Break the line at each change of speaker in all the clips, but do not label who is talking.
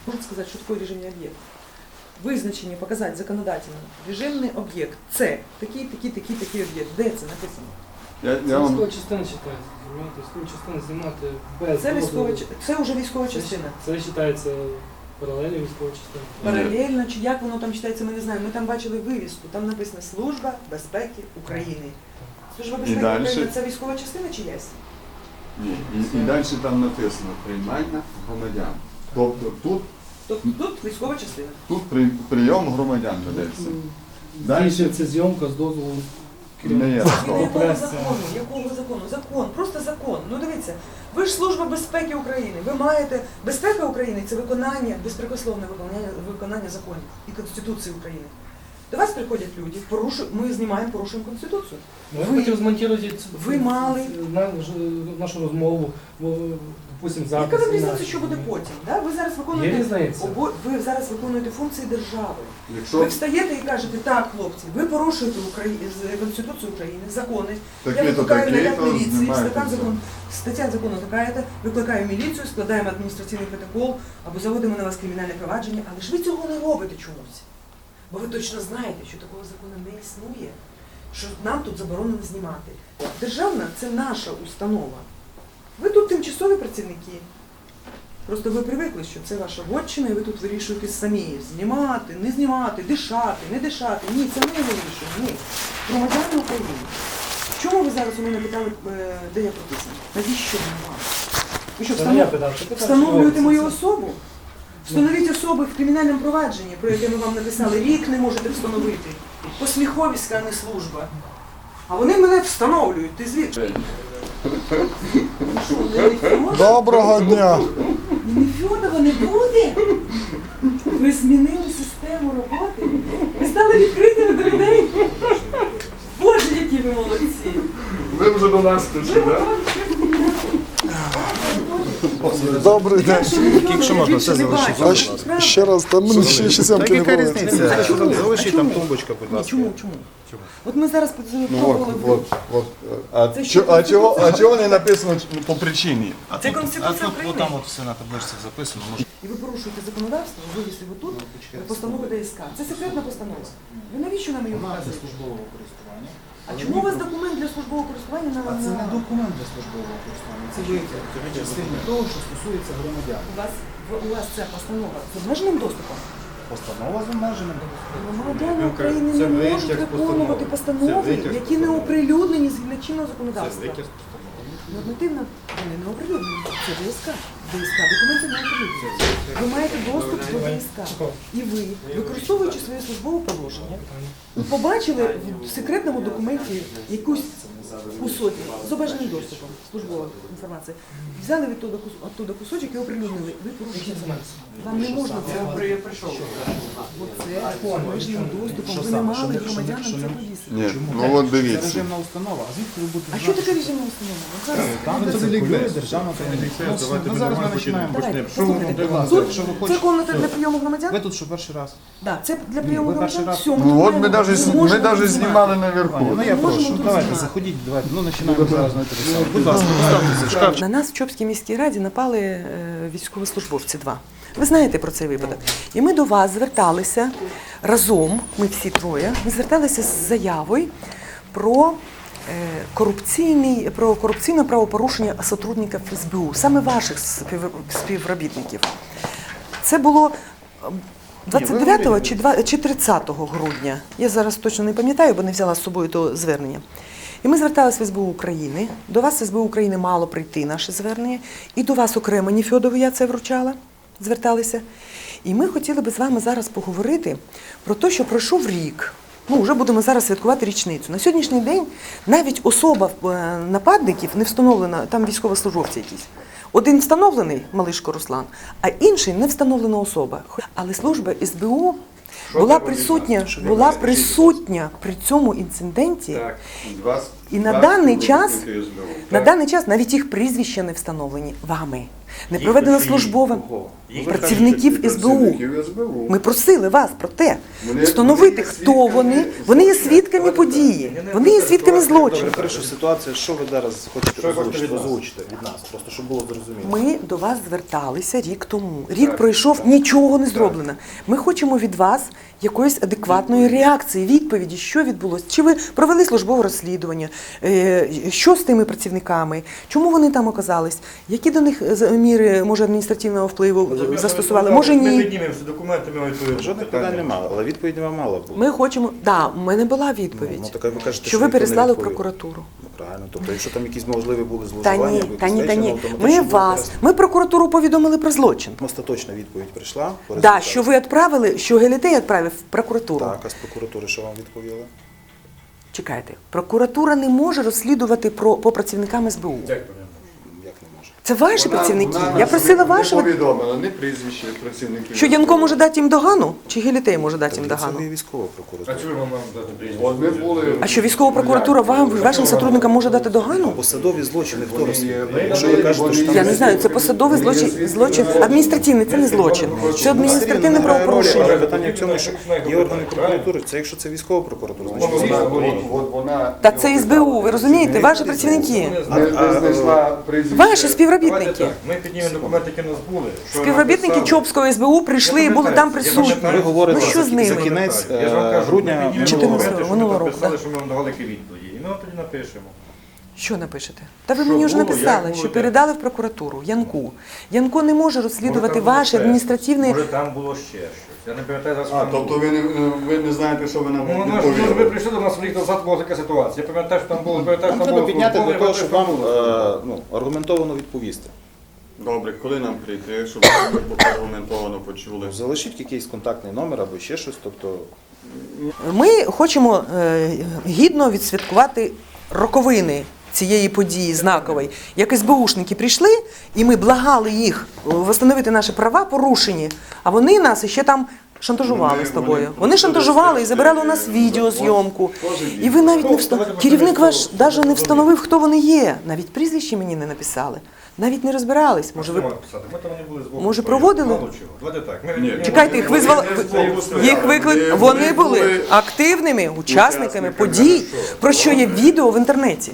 Можна сказати, що таке режимний об'єкт? Визначення показати законодательно. Режимний об'єкт – це такий об'єкт. Де це написано?
Це
військова частина вважається. Військова частина знімати без
Це вже військова частина.
Це вважається паралельно військова частина.
Паралельно, чи як воно там читається, ми не знаємо. Ми там бачили вивіску, там написано «Служба безпеки України». Служба безпеки України – це військова частина чиясь?
Ні, і далі там написано «Приймання громадян». Тобто
Тут військова частина.
тут прийом громадян ведеться.
Далі це зйомка з дозволу
Не є такого.
Якого закону? Закон, просто закон. Ну дивіться, ви ж Служба безпеки України, ви маєте, безпека України – це виконання, безпрекословне виконання законів і Конституції України. До вас приходять люди, ми знімаємо, порушуємо Конституцію.
Ви хотів змонтувати нашу розмову, допустим, запис.
Яка вам різниця, що буде потім? Да? Ви зараз виконуєте функції держави. Ви встаєте і кажете, так, хлопці, ви порушуєте Конституцію України, закони. Я викликаю наряд міліції, стаття закону така, викликаю міліцію, складаємо адміністративний протокол або заводимо на вас кримінальне провадження, але ж ви цього не робите чомусь. Бо ви точно знаєте, що такого закону не існує, що нам тут заборонено знімати. Державна – це наша установа. Ви тут тимчасові працівники. Просто ви привикли, що це ваша вотчина, і ви тут вирішуєте самі. Знімати, не знімати, дишати, не дишати. Ні, це ми вирішуємо. Ні. Громадяни України. Чому ви зараз у мене питали, де я прописана? Навіщо мені вам? Ви що, встановлюєте мою особу? Встановіть особи в кримінальному провадженні, про яке ми вам написали, рік не можете встановити. Посміховіська, а не служба. А вони мене встановлюють. Ти звідки?
Доброго дня!
Нефьодова не буде? Ви змінили систему роботи? Ви стали відкритими до людей? Боже, які ви молодці!
Ви вже до нас прийшли, так?
Добрий день.
Якщо можна, все залишити.
Ще раз, там мені ще 7
Яка
не
різниця? Залишіть там тумбочка, будь ласка.
Чому? От ми зараз пробували.
А чого не написано по причині?
Це Конституція України.
Там от все на табличці записано.
І ви порушуєте законодавство, вивісили ви тут постанову ДСК. Це секретна постанова. Ви навіщо нам її вказуєте?
Службового користування.
А чому у вас документ для службового користування на...
Це не документ для службового користування. Це витяг частини того, що стосується громадян.
У вас ця постанова з обмеженим доступом?
Постанова з обмеженим.
Громадяни України не можуть виконувати постанови, які не оприлюднені згідно чинного законодавства. Нормативно вони не оприлюднені. Це ДСК. ДСК. Документи не оприлюднені. Ви маєте доступ до ДСК. І ви, використовуючи своє службове положення, побачили в секретному документі якусь кусочок з обмеженим доступом службової інформації. Взяли відтуда кусочок і оприлюднили. Ви порушуєте закон. Вам не можна це робити. Оце з обмеженим доступом. Ви не мали громадянам це повісити.
Ні, ну от
Це
дивіться.
режимна установа. А звідки ви будете
А що таке режимна установа?
Там це регулює державна таємниця. Ми зараз ми починаємо.
Давайте,
Послухайте, будь ласка,
Тут
якщо ви
це
хочете.
комната для прийому громадян?
Ви тут що перший раз?
Так, це для прийому
ви перший
громадян.
раз.
Все,
Ну от ми
можемо
навіть
тут
знімали наверху.
Ну я
Ми можемо
прошу,
тут
давайте,
знімати.
заходіть, давайте. Ну починаємо зараз на телефон. Будь ласка, поставте шкаф.
На нас в Чопській міській раді напали військовослужбовці 2. Ви знаєте про цей випадок. І ми до вас зверталися разом, ми всі троє, ми зверталися з заявою про корупційне правопорушення сотрудників СБУ, саме ваших співробітників. Це було 29 чи 30 грудня. Я зараз точно не пам'ятаю, бо не взяла з собою то звернення. І ми зверталися в СБУ України. До вас в СБУ України мало прийти наше звернення. І до вас окремо Нефьодову я це вручала, зверталися. І ми хотіли би з вами зараз поговорити про те, що пройшов рік. Ну, вже будемо зараз святкувати річницю. На сьогоднішній день навіть особа нападників не встановлена, там військовослужбовці якісь. Один встановлений, Малишко Руслан, а інший не встановлена особа. Але служба СБУ була присутня при цьому інциденті. І на
Так,
даний час,
співробітники СБУ.
на
Так.
даний час навіть їх прізвища не встановлені вами. Не проведено службовим працівників СБУ.
Працівників СБУ.
Ми просили вас про те,
Вони-
встановити,
вони є
хто
свідками
вони. Вони є
злочину.
свідками події. Вони є свідками злочину.
Добре, хорошо, ситуація, що ви зараз хочете
Що ви хочете від нас?
озвучити від нас, просто щоб було зрозуміло.
Ми до вас зверталися рік тому. Рік пройшов, нічого не зроблено. Ми хочемо від вас якоїсь адекватної реакції, відповіді, що відбулося. Чи ви провели службове розслідування, що з тими працівниками, чому вони там оказались, які до них міри, може, адміністративного впливу застосували, може
Ми
ні.
піднімемо всі документи, ми відповімо.
Жодних питань немає, але відповідь вам мала бути.
Ми хочемо, у мене була
Ну,
відповідь,
так ви кажете,
що ви
ніхто не
переслали в
відповів.
прокуратуру.
Ну, правильно, тобто якщо там якісь можливі були
Та
зловживання,
ні,
або
та ні, та
якісь
ні.
речі,
Ми
автоматично
вас,
буде
ми прокуратуру повідомили про злочин.
остаточна відповідь прийшла. по
Да,
результату.
що ви відправили, що Гелітей відправив в прокуратуру.
Так, а з прокуратури що вам відповіли?
Чекайте, прокуратура не може розслідувати по працівникам СБУ.
Як не може?
Це ваші
Вона-
працівники.
вона
Я просила
не
вашого.
повідомила, не прізвище працівників.
Що Янко може дати їм догану? Чи Гелітей може дати їм
Це
догану?
не військова прокуратура.
А чому вам дати прізвище?
От ми були...
А що військова прокуратура вам, вашим сотрудникам може дати догану?
Посадові злочини хто
Вони
розслідує?
є-
Якщо ви кажете, що там...
Я не знаю, це посадовий злочин, адміністративний, це не злочин. Це адміністративне правопорушення.
Питання в цьому, що є органи прокуратури, це якщо це військова прокуратура, значить
Вона...
Та це СБУ, ви розумієте, ваші працівники.
Не знайшла прізвище.
Ваші
Давайте
співробітники.
так, ми піднімемо документи, які в нас були. що
Співробітники
написали.
Чопського СБУ прийшли і були там присутні.
ви говорите
Ну що з
за
ними?
кінець
Я ж вам кажу,
грудня
ми піднімемо
14
документи, що
минулого
ми
року,
підписали,
да.
що ми вам давали які відповіді. І ми вам тоді напишемо.
Що напишете? Та ви
Що
мені вже
було,
написали,
як було,
що
як?
передали в прокуратуру Янку. Янко не може розслідувати
Може, там було
ваші
ще.
адміністративні.
Може там було ще щось. Я не пам'ятаю зараз. що
А,
там
тобто
було.
ви не знаєте, що ви нам
Ну, ми
відповіли?
прийшли до нас рік назад, була така ситуація. Я пам'ятаю, що там було, пам'ятаю,
Нам
що там
треба
було
підняти для того, щоб вам
службове.
аргументовано відповісти.
Добре, коли нам прийти, щоб ми аргументовано почули?
Залишіть якийсь контактний номер або ще щось, тобто
Ми хочемо гідно відсвяткувати роковини цієї події знакової. Як СБУшники прийшли, і ми благали їх встановити наші права порушені, а вони нас ще там шантажували з тобою. Вони шантажували і забирали у нас відеозйомку. І ви навіть не встановили. Керівник ваш навіть не встановив, хто вони є. Навіть прізвище мені не написали. Навіть не розбирались. Може, ви
Ми там не були з
Може, проводили?
Мало чого. Давайте так.
Ні.
чекайте, їх визвали. Їх виклик. Вони були активними учасниками подій, про що є відео в інтернеті.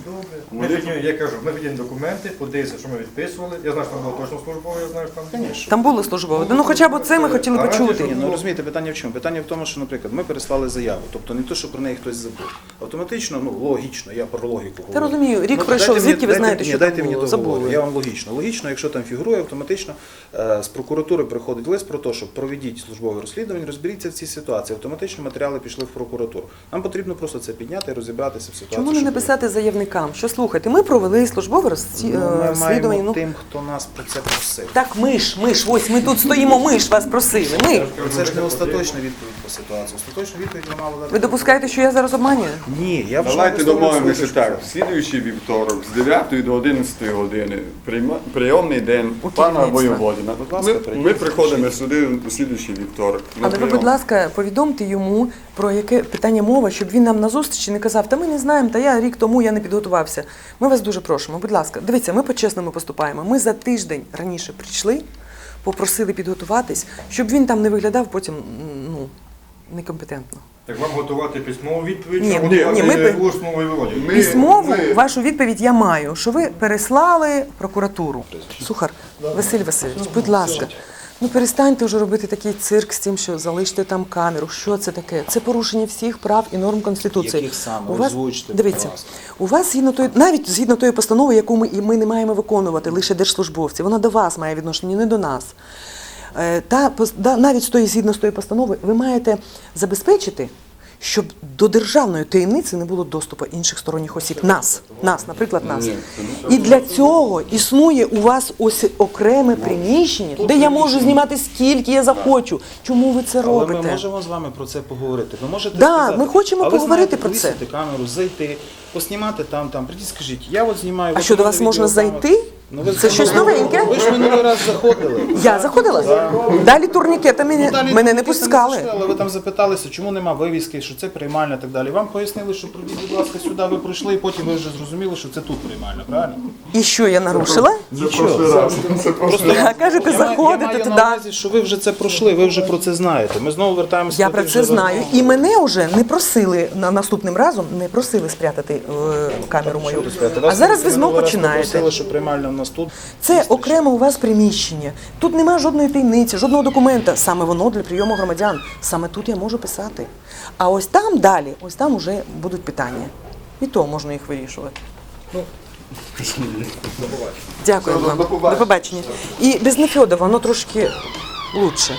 Я кажу, ми підіймо документи, подивися, що ми відписували. Я знаю, що там було точно службове, я знаю, що там було.
Там було службове. Ну хоча б це ми хотіли почути.
ні, ну розумієте, питання в чому? Питання в тому, що, наприклад, ми переслали заяву, тобто не те, що про неї хтось забув. Автоматично, логічно, я про логіку говорю.
Та розумію, рік
Ну,
пройшов,
дайте
звідки ви
мені-
знаєте,
ні,
що
дайте
там
мені
було?
договорити.
Забули.
Я вам логічно. Логічно, якщо там фігурує, автоматично з прокуратури приходить лист про те, що проведіть службове розслідування, розберіться в цій ситуації. Автоматично матеріали пішли в прокуратуру. Нам потрібно просто це підняти і розібратися в ситуації.
Чому не
що
написати заявникам? Що слухайте, ми провели службове
було. Ми
розслідування.
маємо
Ну
тим, хто нас про це просив.
так, ми ж, ось ми тут стоїмо, ми ж вас просили. Ми.
Це ж не остаточна відповідь по ситуації. Остаточну відповідь ви мали дати.
Ви допускаєте, що я зараз обманюю?
Ні, я вже
Давайте
висловлюю
домовимося
свою
так.
точку
В слідуючий вівторок з 9 до 11 години прийомний день
У
пана
керівництва.
Воєводіна.
Будь ласка,
Ми
прийдіть,
приходимо сюди у слідуючий вівторок. на
Але ви,
прийом.
будь ласка, повідомте йому, про яке питання мова, щоб він нам на зустрічі не казав, та ми не знаємо, та я рік тому я не підготувався. Ми вас дуже просимо, будь ласка, дивіться, ми по-чесному поступаємо. Ми за тиждень раніше прийшли, попросили підготуватись, щоб він там не виглядав потім некомпетентно.
Так вам готувати письмову відповідь,
Ні,
чи
ні,
готувати
ми-
усну виводять?
Ми-
Письмову
ми-
вашу відповідь я маю, що ви переслали в прокуратуру. Сухар, Василь Васильович, будь ласка, ну перестаньте вже робити такий цирк з тим, що залиште там камеру. Що це таке? Це порушення всіх прав і норм Конституції.
Яких саме?
У вас,
Озвучте, будь
дивіться,
ласка.
у вас навіть згідно тої постанови, яку ми не маємо виконувати, лише держслужбовці, вона до вас має відношення, не до нас. Навіть згідно з тої постанови, ви маєте забезпечити, щоб до державної таємниці не було доступу інших сторонніх осіб. Нас, наприклад, нас. І для цього існує у вас ось окреме приміщення, де я можу знімати скільки я захочу. Чому ви це
Але
робите?
ми можемо з вами про це поговорити. Ви можете
Да,
сказати,
ми хочемо
а ви
поговорити
знаєте,
про це.
повісити камеру, зайти, поснімати там. Прийдіть, скажіть, я от знімаю.
А
от
що, до
у мене
вас можна
відеокамера.
зайти?
Ну, ви
Це щось новеньке?
Ви ж минулий раз заходили.
Я заходила? Далі турнікетами
Далі
мене не
ви
пускали.
зайшли, але ви там запиталися, чому нема вивіски, що це приймальня і так далі. Вам пояснили, що прийдіть, будь ласка, сюди ви пройшли, і потім ви вже зрозуміли, що це тут приймальня, правильно?
І що я нарушила? А кажете,
Я
заходите
маю
туди.
на увазі, що ви вже це пройшли, ви вже про це знаєте. Ми знову вертаємося
Я
до
про
тих
це
же
знаю.
розмов.
І мене вже не просили наступним разом, не просили спрятати камеру мою. А зараз ви знову починаєте.
Просили, що приймальня в нас тут.
Це окремо у вас приміщення. Тут немає жодної таємниці, жодного документа. Саме воно для прийому громадян. Саме тут я можу писати. А ось там далі, ось там вже будуть питання. І то можна їх вирішувати. Дякую вам. До побачення. І без Нефьодова воно трошки лучше.